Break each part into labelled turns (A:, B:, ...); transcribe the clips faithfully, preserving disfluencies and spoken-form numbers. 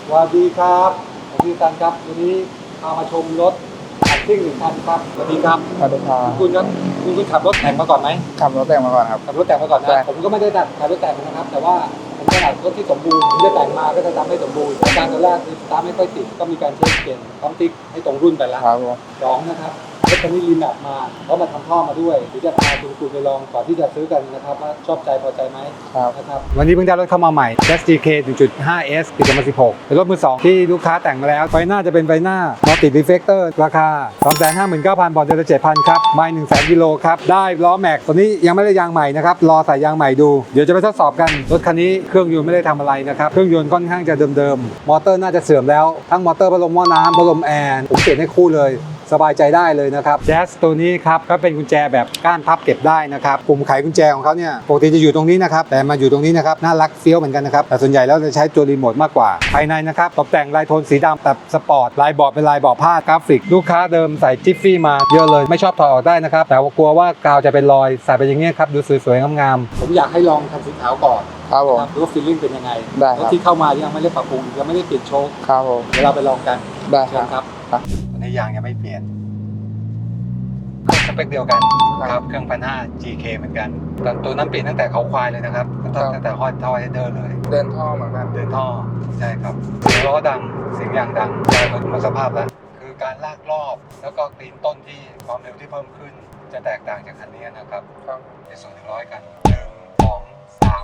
A: สวัสดีครับผมพี่ตันครับวันนี้พามาชมรถแต่งซิ่งหนึ่งคันครับสวัสดีครับ
B: สวัสดีครับ
A: คุณครับคุณคุณขับรถแต่งมาก่อนไหม
B: ขับรถแต่งมาก่อนครับ
A: ขับรถแต่งมาก่อน
B: ใช่
A: นะผมก็ไม่ได้ดัดขับรถแต่งนะครับแต่ว่าผมถนัดรถที่สมบูรณ์ผมจะแต่งมาก็จะทำให้สมบูรณ์อาการตอนแรกคือสตาร์ทไม่ค่อยติดก็มีการเช็คเปลี่ยนปั๊มติ๊กให้ตรงรุ่นไปแล้ว
B: ครับผม
A: สองนะครับรถคันนี้รีแมปมาเพราะมาทำท่อมาด้วยเดี๋ยวจะพาคุณคุณไปลองก่อนที่จะซื้อกันนะครับว่าชอบใจพอใจไหม
B: ครับ
A: นะครับวันนี้เพิ่งได้รถเข้ามาใหม่ เอส จี เค หนึ่งจุดห้า เอส ปีสองพันสิบหกเป็นรถมือสองที่ลูกค้าแต่งมาแล้วไฟหน้าจะเป็นไฟหน้า Multi Reflector ราคา สองแสนห้าหมื่นเก้าพัน บอลเดือนละ เจ็ดพัน ครับไมล์ หนึ่งแสน กิโลครับได้ล้อแม็กตัวนี้ยังไม่ได้ยางใหม่นะครับรอใส่ยางใหม่ดูเดี๋ยวจะไปทดสอบกันรถคันนี้เครื่องยนต์ไม่ได้ทำอะไรนะครับเครื่องยนต์ค่อนข้างจะเดิมๆมอเตอร์น่าจะเสื่อมแล้วทั้งมอเตอร์พัดลมหม้อน้ำพัดลมแอร์ผมเปลี่ยนให้คู่เลยสบายใจได้เลยนะครับแจ๊สตัวนี้ครับก็เป็นกุญแจแบบก้านพับเก็บได้นะครับปุ่มไขกุญแจของเขาเนี่ยปกติจะอยู่ตรงนี้นะครับแต่มาอยู่ตรงนี้นะครับน่ารักเฟี้ยวเหมือนกันนะครับแต่ส่วนใหญ่แล้วจะใช้ตัวรีโมทมากกว่าภายในนะครับตกแต่งลายโทนสีดำแบบสปอร์ตลายเบาะเป็นลายเบาะผ้ากราฟิกลูกค้าเดิมใส่จิฟฟี่มาเยอะเลยไม่ชอบถอดออกได้นะครับแต่ว่ากลัวว่ากาวจะเป็นรอยใส่ไปอย่างเงี้ยครับดูสวยๆงามๆผมอยากให้ลองคันสีขาวก่อน
B: ครับผม
A: ดูว่าฟีลลิ่งเป็นยังไง
B: ได้ครับ
A: รถที่เข้ามายังไม่ได้ปรับปรุงยังไม่ได้เปลี่ยนโชค
B: ครับผม
A: เดี๋ยวเราไปลองกัน
B: ได้
A: เชิญ
B: ค
A: ค
B: รั
A: รั
B: บบ ครับ
A: ตอนนี้ยางยังไม่เปลี่ยนสเปคเดียวกันครับเครื่องพันห้า จี เค เหมือนกันแต่ตัวนั้นเปลี่ยนตั้งแต่เขาควายเลยนะครับตั้งแต่ตั้งแต่ฮอตท่อเฮดเดอร์เลย
B: เดินท่อเหมือนกัน
A: เดินท่อใช่ครับเสียงล้อดังเสียงยางดังยางรถหมดสภาพแล้วคือการลากรอบแล้วก็ตีนต้นที่ความเร็วที่เพิ่มขึ้น จะแตกต่างจากคันนี้นะครับ
B: ครับ
A: ในส่วนหนึ่งร้อยกันหนึ่งสองสาม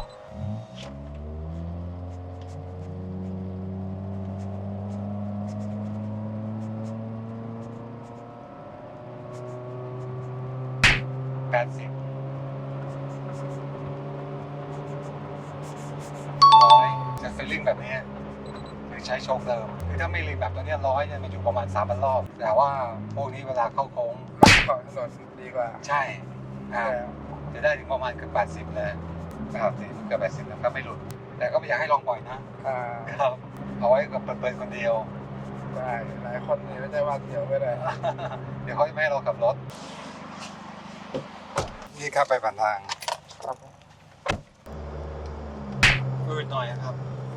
A: แปดสิบร้อยจะฟีลลิ่งแบบนี้คือใช้โชคเดิมคือถ้าไม่รีแบบตัวเนี้ยร้อยเนี่ยมันอยู่ประมาณสามพันรอบแต่ว่าพวกนี้เวลาเข้าโค้ง
B: รถของถนนดีกว่า
A: ใช่อ่า
B: ใช่ครับ
A: จะได้ถึงประมาณเกือบแปดสิบเลยนะครับสิเกือบแปดสิบแล้วก็ไม่หลุด แต่ก็ไม่อยากให้ลองบ่อยนะ
B: อ่า
A: ครับเอาไว้กับเปิดๆคนเดียว
B: ได้หลายคนนี่ไม่ใช่ว่าเดียวก็ได้
A: เดี๋ยวเขาจะไม่ให้เราขับรถนี่ครับไปผ่านทาง
B: ครับ
A: อืดหน่อยนะครับ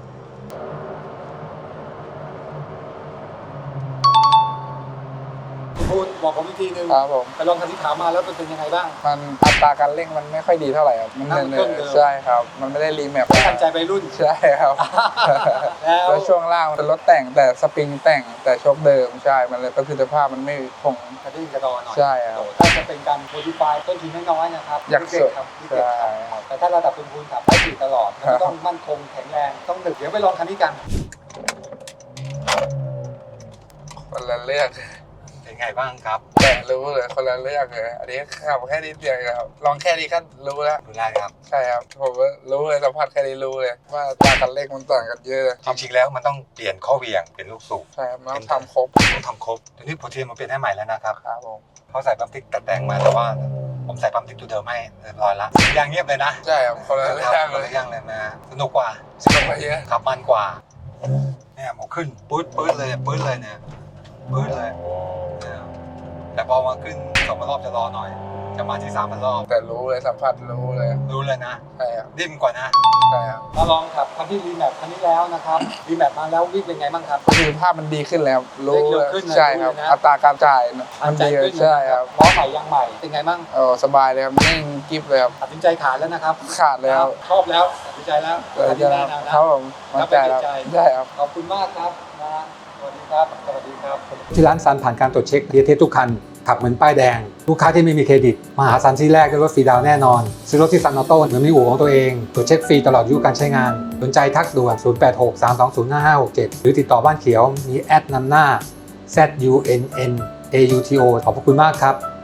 A: คุณพูดบอกผมอีกทีนึง
B: ครับผม
A: ไปลองคันที่ขาวมาแล้วมันเป็นยังไงบ้าง
B: มันอัตราการเร่งมันไม่ค่อยดีเท่าไหร่ครับมัน
A: นั่งเครื่องเดิม
B: ใช่ครับ มันไม่ได้รีแมป
A: ไม่ทันใจไปรุ่น
B: ใช่ครับ
A: แล้ว
B: แล้วช่วงล่างมันเป็นรถแต่งแต่สปริงแต่งแต่โชคเดิมใช่มันเลยประสิทธิภาพมันไม่คง
A: กระดิ่งกระดอนหน่อย
B: ใช่ครับ
A: ถ้าจะเป็นการโมดิฟายต้นทุนน้อยๆนะครับ
B: อยาก
A: เด็
B: สุ
A: ก
B: ด
A: ๆครับเด็ก
B: ใช่
A: ๆครับ
B: ครับ
A: แต่ถ้าระดับคุณคุณขับได้สี่ตลอดมันก็ต้องมั่นคงแข็งแรงต้องดึกเดี๋ยวไปลองคันนี้กัน
B: คนละเรื่อง
A: เป็นไงบ้างครับ
B: แต่รู้เลยคนละเรื่องเลยอันนี้ขับแค่นิดเดียวครับลองแค่นี้ก็รู้แล้ว
A: ดูได้ครับ
B: ใช่ครับผมว่ารู้เลยสัมผัสแค่นี้รู้เลยว่าอัตราการเร่งมันต่างกันเยอะเลย
A: จริงๆแล้วมันต้องเปลี่ยนข้อเหวี่ยงเปลี่ยนลูกสูบ
B: ใช่ครับมันต้องทำครบ
A: ต้องทำครบทีนี้โปรเทียมมันเปลี่ยนให้ใหม่แล้วนะครับ
B: ครับผม
A: เขาใส่ปั๊มติ๊กตัดแต่งมาแต่ว่าผมใส่ปั๊มติ๊กตัวเดิมให้เรียบร้อยละยางเงียบเลยนะ
B: ใช่ครับคนละ
A: ค
B: เรื่
A: รับ
B: อง
A: ค
B: เล
A: น
B: ย
A: ละอย่างเลยนะสนุกกว่า
B: สนุกกว่าเยอะ
A: ขับมันกว่าเนี่ยหมขึ้นปื๊ดปื๊ดเลยปื๊ดเลยเนี่ยปื๊ดเลยเนี่ยแต่พอมาขึ้นสองพันรอบจะรอหน่อย จะมาที่สามพันรอบ
B: แต่รู้เลยสัมผัสรู้เลย
A: รู้เลยนะ
B: ใช่ครับ
A: ดิ้นกว่านะ
B: ใช่ครับ
A: มาลองขับคันที่รีแมปคันนี้แล้วนะครับรีแมปมาแล้ววิ่งเป็นไงบ้างครับ
B: ประสิทธิภาพมันดีขึ้นแล้วรู้
A: เร็
B: เล
A: วย ขึ้นนะ
B: ใช่ครับ
A: รู้เลยนะ
B: อัตราการจ่ายมัน
A: ใจ
B: ดี
A: ขึ้นนะ
B: ใช่ครับ
A: ล้อใหม่ยางใหม่เป็นไงบ้าง
B: เออสบายเลยครับนิ่งกิฟเลยครับ
A: ตัดสินใจขาดแล้วนะครับ
B: ขาดเลยครับ
A: ชอบแล้วตัดสินใจแล้ว
B: เออ
A: คัน
B: จะ
A: นี้แน่นอนนะ
B: ครับผมมั่นใจแล้วได้ครับ
A: ขอบคุณมากครับนะสวัสดีครับ สวัสดีครับ ที่ร้านซันผ่านการตรวจเช็คเทียเทสทุกคัน ขับเหมือนป้ายแดง ลูกค้าที่ไม่มีเครดิต มาหาซันที่แรกได้รถฟรีดาวน์แน่นอน ซื้อรถที่ซันออโต้เหมือนมีอู่ของตัวเอง ตรวจเช็คฟรีตลอดอายุการใช้งาน สนใจทักด่วน ศูนย์ แปด หก สาม สอง ศูนย์ ห้า ห้า หก เจ็ด หรือติดต่อบ้านเขียว มีแอดนำหน้า แซด ยู เอ็น เอ็น เอ ยู ที โอ ขอบพระคุณมากครับ